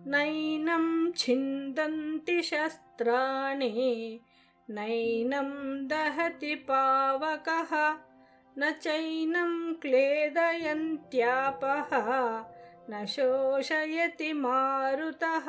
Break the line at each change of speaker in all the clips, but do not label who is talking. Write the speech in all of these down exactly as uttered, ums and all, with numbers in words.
नैनं छिन्दन्ति शस्त्राणि नैनं दहति पावकः न चैनं क्लेदयन्त्यापः न शोषयति मारुतः।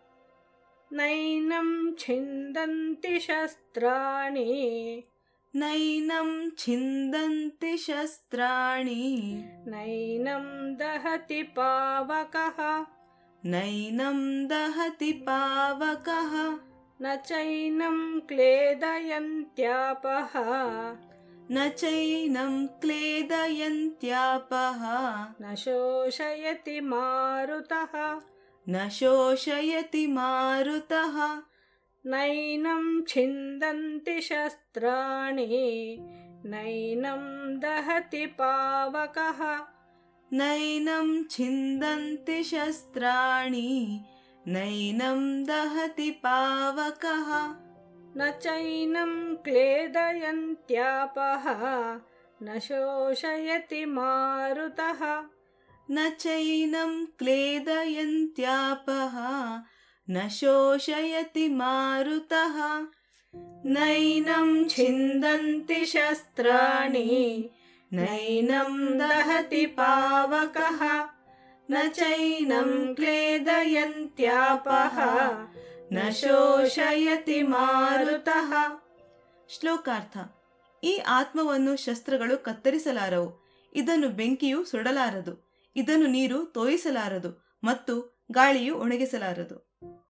नैनं छिन्दन्ति शस्त्राणि
नैनं छिन्दन्ति शस्त्राणि
नैनं दहति पावकः
नैनं दहति पावकः
न चैनं क्लेदयन्त्यापः
न चैनं क्लेदयन्त्यापः
न शोषयति मारुतः।
न शोषयति मारुतः।
नैनं छिन्दन्ति शस्त्राणि नैनं दहति पावकः
नैनं छिन्दन्ति शस्त्राणि नैनं दहति पावकः
न चैनं क्लेदयन्त्यापः न शोषयति मारुतः।
न चैनं क्लेदयन्त्यापः न शोषयति मारुतः।
नैनं छिन्दन्ति शस्त्राणि नैनं दहति पावकः न चैनं क्लेदयन्त्यापः न ಶೋಷಯತಿ ಮಾರುತಃ.
ಶ್ಲೋಕಾರ್ಥ. ಈ ಆತ್ಮವನ್ನು ಶಸ್ತ್ರಗಳು ಕತ್ತರಿಸಲಾರವು, ಇದನ್ನು ಬೆಂಕಿಯು ಸುಡಲಾರದು, ಇದನ್ನು ನೀರು ತೋಯಿಸಲಾರದು ಮತ್ತು ಗಾಳಿಯು ಒಣಗಿಸಲಾರದು.